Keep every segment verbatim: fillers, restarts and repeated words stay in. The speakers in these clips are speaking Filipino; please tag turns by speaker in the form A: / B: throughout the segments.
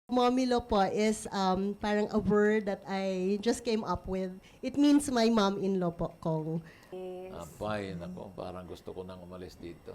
A: Momilo po is um, parang a word that I just came up with. It means my mom-in-law po, Kong.
B: Abay, nako, parang gusto ko nang umalis dito.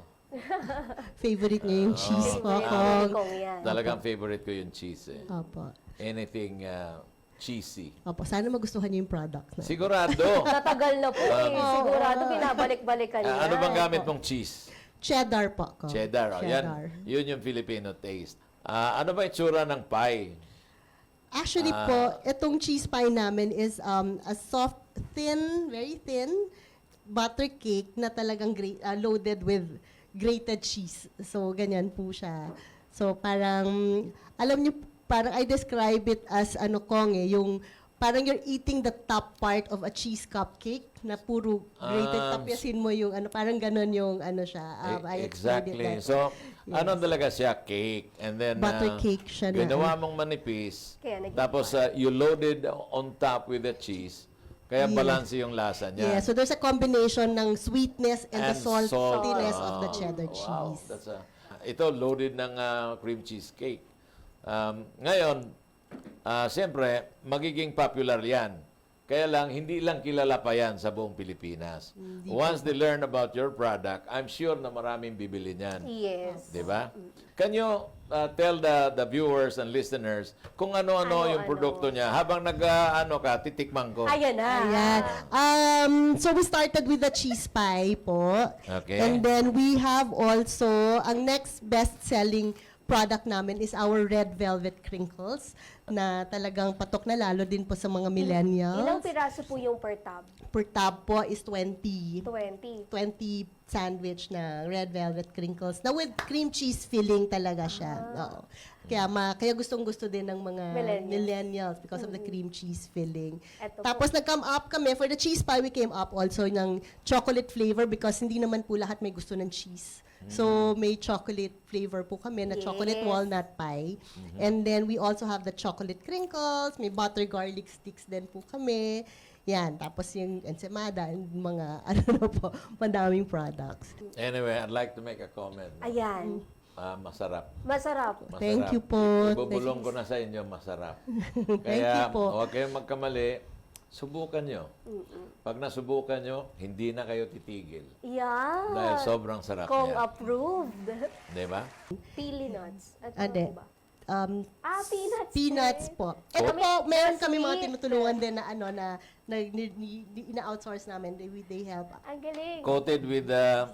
A: Favorite niya yung cheese po,
B: Favorite
A: Kong.
C: Kong yan.
B: Talagang favorite ko yung cheese eh.
A: Opo.
B: Anything uh, cheesy.
A: Opo, sana magustuhan niyo yung product na.
B: Sigurado.
C: Tatagal na po eh. Sigurado binabalik-balikan niya.
B: Ah, ano bang gamit mong cheese?
A: Cheddar po, Kong.
B: Cheddar. Oh, yan,
A: Cheddar.
B: yun yung Filipino taste. Ah, ano ba itsura ng pie?
A: Actually
B: Ah.
A: po, itong cheese pie namin is um, a soft, thin, very thin butter cake na talagang gra- uh, loaded with grated cheese. So, ganyan po siya. So, parang, alam niyo, parang I describe it as ano Kong eh, yung parang you're eating the top part of a cheese cupcake na puro grated,
B: Um,
A: tapyasin mo yung ano, parang ganon yung ano siya. Um, I
B: E-
A: explained it
B: exactly.
A: that
B: So,
A: Yes.
B: ano talaga siya? Cake. And then,
A: Butter
B: ah,
A: cake siya na.
B: ginawa mong manipis.
C: Kaya naging
B: Tapos, ah, you loaded on top with the cheese. Kaya
A: Yes.
B: balanse yung lasa niya.
A: Yeah, so there's a combination ng sweetness and, the
B: And
A: saltiness
B: salt.
A: of the
B: Ah,
A: cheddar
B: wow,
A: cheese.
B: that's a, ito, loaded ng ah, cream cheese cake. Um, ngayon, ah, siyempre, magiging popular yan. Kaya lang, hindi lang kilala pa yan sa buong Pilipinas. Once they learn about your product, I'm sure na maraming bibili niyan.
C: Yes.
B: Di ba? Can you uh, tell the the viewers and listeners kung ano-ano yung
C: Ano-ano.
B: produkto niya habang nag uh, ano ka titikman ko?
C: Ayan na.
A: Ayan. Um, so we started with the cheese pie po.
B: Okay.
A: And then we have also, ang next best-selling product namin is our red velvet crinkles na talagang patok na lalo din po sa mga
C: Ilang
A: millennials.
C: piraso po yung per tab?
A: Per tab po is twenty.
C: twenty.
A: twenty sandwich na red velvet crinkles na with cream cheese filling talaga siya. Oo. Kaya ma kaya gustong-gusto din ng mga
C: Millennials.
A: millennials because of the cream cheese filling.
C: Eto
A: Tapos
C: po.
A: nag-come up kami for the cheese pie, we came up also ng chocolate flavor because hindi naman po lahat may gusto ng cheese. So may chocolate flavor po kami na chocolate
C: Yes.
A: walnut pie. And then we also have the chocolate crinkles, may butter garlic sticks din po kami. Yan, tapos yung ensaymada, and mga ano na po, madaming products.
B: Anyway, I'd like to make a comment.
C: Ayan.
B: Ah, masarap.
C: Masarap.
B: Masarap.
A: Thank you po.
B: Ibubulong ko na sa inyo, masarap.
A: Thank you po.
B: huwag kayong magkamali. Subukan nyo. Pag nasubukan nyo, hindi na kayo titigil.
C: Yan.
B: Dahil sobrang sarap
C: Kong
B: niya.
C: approved.
B: Di ba?
C: Pili nuts. At
A: Ade.
C: ano ba?
A: Um,
C: Ah, peanuts.
A: peanuts
C: din.
A: po. Ito
C: Kami-
A: po, meron
C: pero
A: kami mga
C: sweet.
A: tinutulungan din na ano na, na, ni- ni- ni- ina-outsource namin. They, they help.
C: Ang galing.
B: Coated with uh,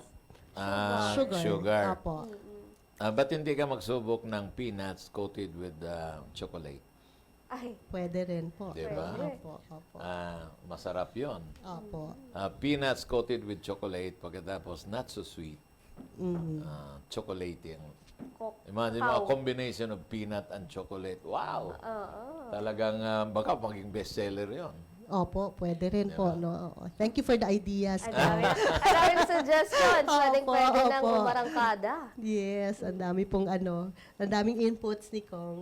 B: ah,
A: Sugar.
B: sugar.
A: Opo.
B: Ah, ba't hindi ka magsubok ng peanuts coated with uh, chocolate?
C: Ay,
A: Pwede rin po.
B: Di ba?
A: Opo, opo.
B: Ah, masarap yon.
A: Opo.
B: Ah, peanuts coated with chocolate, pagkatapos not so sweet.
A: Mhm.
B: Ah, chocolating.
C: kok.
B: Imagine mo, a
C: Wow.
B: combination of peanut and chocolate. Wow!
C: Oo.
B: Talagang ah, baka maging bestseller yon.
A: Opo, pwede rin po. No? Oo. Thank you for the ideas.
C: Ang dami. Ang daming suggestions. Pwedeng
A: Opo,
C: pwede nang
A: opo.
C: umarangkada.
A: Yes, ang dami pong ano, ang daming inputs ni Kong.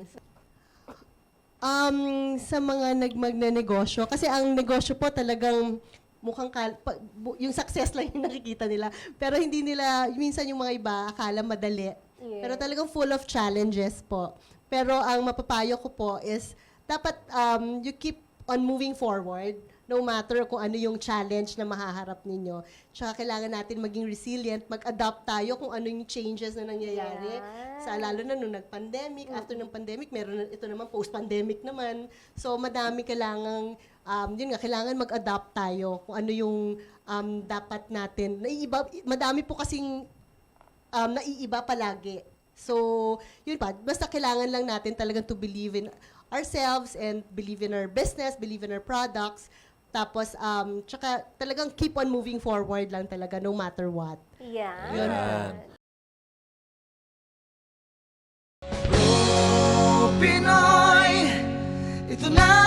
A: Um, sa mga nagmagnanegosyo, kasi ang negosyo po talagang mukhang kal- pa- bu- yung success lang yung nakikita nila. Pero hindi nila, minsan yung mga iba, akala madali.
C: Yes.
A: Pero talagang full of challenges po. Pero ang mapapayo ko po is, dapat um, you keep on moving forward no matter kung ano yung challenge na mahaharap ninyo. Tsaka kailangan natin maging resilient, mag-adapt tayo kung ano yung changes na nangyayari.
C: Yeah.
A: Sa lalo na nung nag-pandemic, after ng pandemic, meron na, ito naman post-pandemic naman. So madami kailangan, um, yun nga, kailangan mag-adapt tayo kung ano yung um, dapat natin. Naiiba, madami po kasing um, naiiba palagi. So, yun pa, basta kailangan lang natin talagang to believe in ourselves and believe in our business, believe in our products. Tapos, um, tsaka talagang keep on moving forward lang talaga no matter what.
C: Yan.
A: Yun
B: Yan.
D: Pinoy, ito na